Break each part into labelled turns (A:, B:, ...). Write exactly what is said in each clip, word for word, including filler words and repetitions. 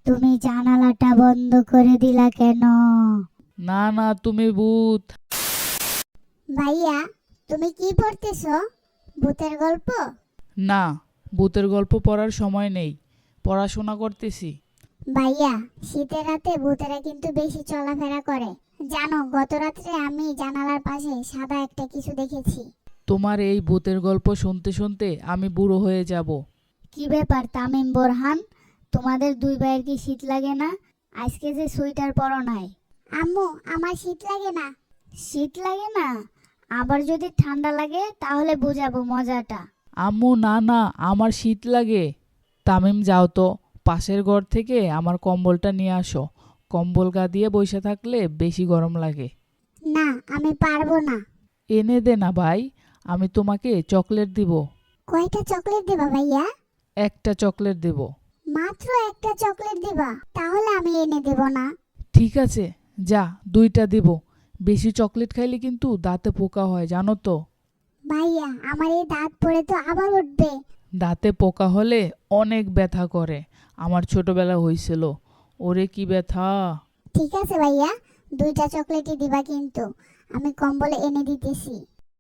A: তুমি জানালাটা বন্ধ করে দিলা কেন?
B: না না তুমি ভূত।
A: ভাইয়া, তুমি কি পড়তেছো? ভূতের গল্প?
B: না, ভূতের গল্প পড়ার সময় নেই, পড়াশোনা করতেছি।
A: ভাইয়া, শীতের রাতে ভূতেরা কিন্তু বেশি চলাফেরা করে। জানো, গত রাত্রে আমি জানালার পাশে সাদা একটা কিছু দেখেছি।
B: তোমার এই ভূতের গল্প শুনতে শুনতে আমি বুড়ো হয়ে যাব।
A: কি ব্যাপার তামিম, বোরহান, তোমাদের দুই ভাইয়ের কি শীত লাগে না? আজকে যে সোয়েটার পরো নাই। আম্মু, আমার শীত লাগে না। শীত লাগে না? আবার যদি ঠান্ডা লাগে তাহলে বুঝাবো মজাটা।
B: আম্মু না না, আমার শীত লাগে। তামিম যাও তো, পাশের ঘর থেকে আমার কম্বলটা নিয়ে আসো। কম্বল গা দিয়ে বসে থাকলে বেশি গরম লাগে।
A: না, আমি পারবো না।
B: এনে দে না ভাই, আমি তোমাকে চকলেট দিব।
A: কয়টা চকলেট দিবা ভাইয়া?
B: একটা চকলেট দেব।
A: মাত্র একটা চকলেট দিবা? তাহলে আমি এনে দেব না।
B: ঠিক আছে, যা, দুইটা দিব। বেশি চকলেট খাইলে কিন্তু দাঁতে পোকা হয়, জানো তো।
A: ভাইয়া, আমার এই দাঁত পড়ে তো আবার উঠবে।
B: দাঁতে পোকা হলে অনেক ব্যথা করে। আমার ছোটবেলা হয়েছিল, ওরে কি ব্যথা।
A: ঠিক আছে ভাইয়া, দুইটা চকলেটই দিবা কিন্তু। আমি কম্বলে এনে দিতেছি।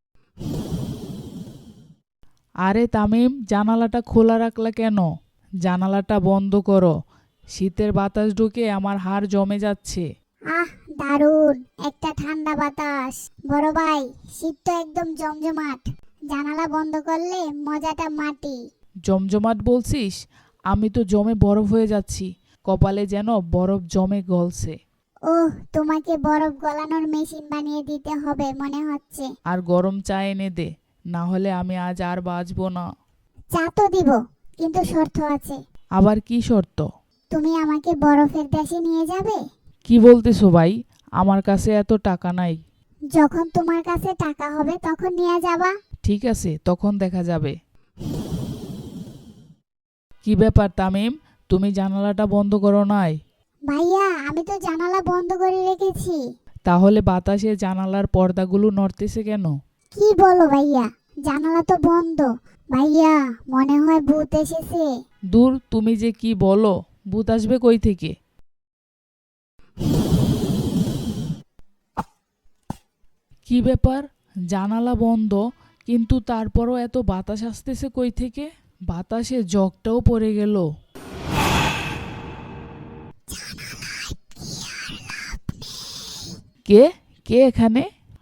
B: আরে তামিম, জানালাটা খোলা রাখলা কেন? জানালাটা বন্ধ করো। শীতের বাতাস ঢুকে আমার হাড় জমে যাচ্ছে।
A: আহ, দারুণ একটা ঠান্ডা বাতাস। বড় ভাই, শীত তো একদম জমজমাট। জানালা বন্ধ করলে মজাটা মাটি।
B: জমজমাট বলছিস? আমি তো জমে বরফ হয়ে যাচ্ছি। কপালে যেন বরফ জমে গলছে।
A: ওহ, তোমাকে বরফ গলানোর মেশিন বানিয়ে দিতে হবে মনে হচ্ছে।
B: আর গরম চা এনে দে, না হলে আমি আজ আর বাঁচবো না।
A: চা তো দিব, কিন্তু শর্ত আছে।
B: আবার কি শর্ত?
A: তুমি আমাকে বরফের দেশে নিয়ে যাবে।
B: কি বলতেছো ভাই? আমার কাছে এত টাকা নাই।
A: যখন তোমার কাছে টাকা হবে তখন নিয়ে যাবা।
B: ঠিক আছে, তখন দেখা যাবে। কি ব্যাপার তামিম, তুমি জানালাটা বন্ধ করো নাই?
A: ভাইয়া, আমি তো জানালা বন্ধ করে রেখেছি।
B: তাহলে বাতাসে জানালার পর্দাগুলো নড়তেছে কেন?
A: কি বলো ভাইয়া, জানালা তো বন্ধ। ভাইয়া, মনে হয় ভূত এসেছে।
B: দূর, তুমি যে কি বলো, ভূত আসবে কই থেকে? কি ব্যাপার, জানালা বন্ধ, কিন্তু তারপরও এত বাতাস আসতেছে কই থেকে? বাতাসে জগটাও পড়ে গেল। কে কে এখানে?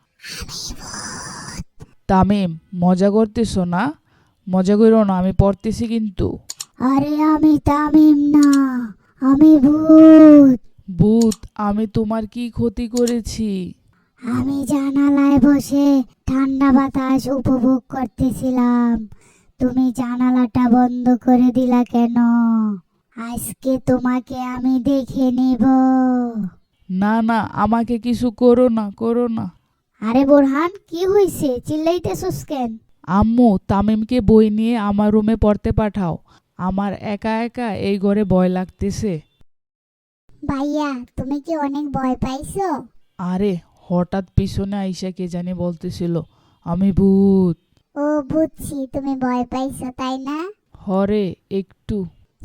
B: তামিম, মজা করতেছো না? মজা করো না, আমি পড়তেছি কিন্তু।
A: আরে আমি তামিম না, আমি ভূত।
B: ভূত? আমি তোমার কি ক্ষতি করেছি?
A: আমি জানালায় বসে ঠান্ডা বাতাস উপভোগ করতেছিলাম। তুমি জানালাটা বন্ধ করে দিলা কেন? আজকে তোমাকে আমি দেখে নিব।
B: না না, আমাকে কিছু করো না, করো না।
A: আরে বোরহান, কি হইছে? চিল্লাইতেছস কেন?
B: আম্মু, তামিমকে বই নিয়ে আমার রুমে পড়তে পাঠাও। আমার একা একা এই ঘরে ভয় লাগতেছে।
A: ভাইয়া, তুমি কি অনেক ভয় পাইছো?
B: আরে, হঠাৎ পিছনে আইসা কে জানি বলতেছিল আমি ভূত।
A: ও, বুঝছি তুমি ভয় পাইছো, তাই না?
B: হরে, একটু।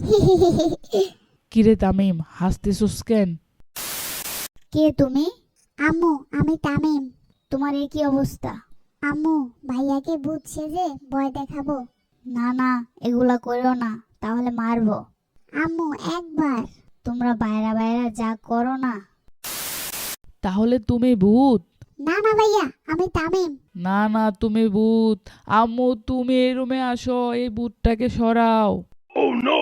B: কিরে তামিম, হাসতেছস কেন?
A: কে তুমি? আম্মু, আমি তামিম। তোমার এই কি অবস্থা? আম্মু, ভাইয়াকে ভূত সেজে ভয় দেখাবো। না না, এগুলা করো না, তাহলে মারবো। আম্মু, একবার। তোমরা বাইরা বাইরা যা করো না।
B: তাহলে তুমি ভূত?
A: না না ভাইয়া, আমি তামিম।
B: না না, তুমি ভূত। আম্মু, তুমি এই রুমে আসো, এই ভূতটাকে সরাও।
C: Oh no!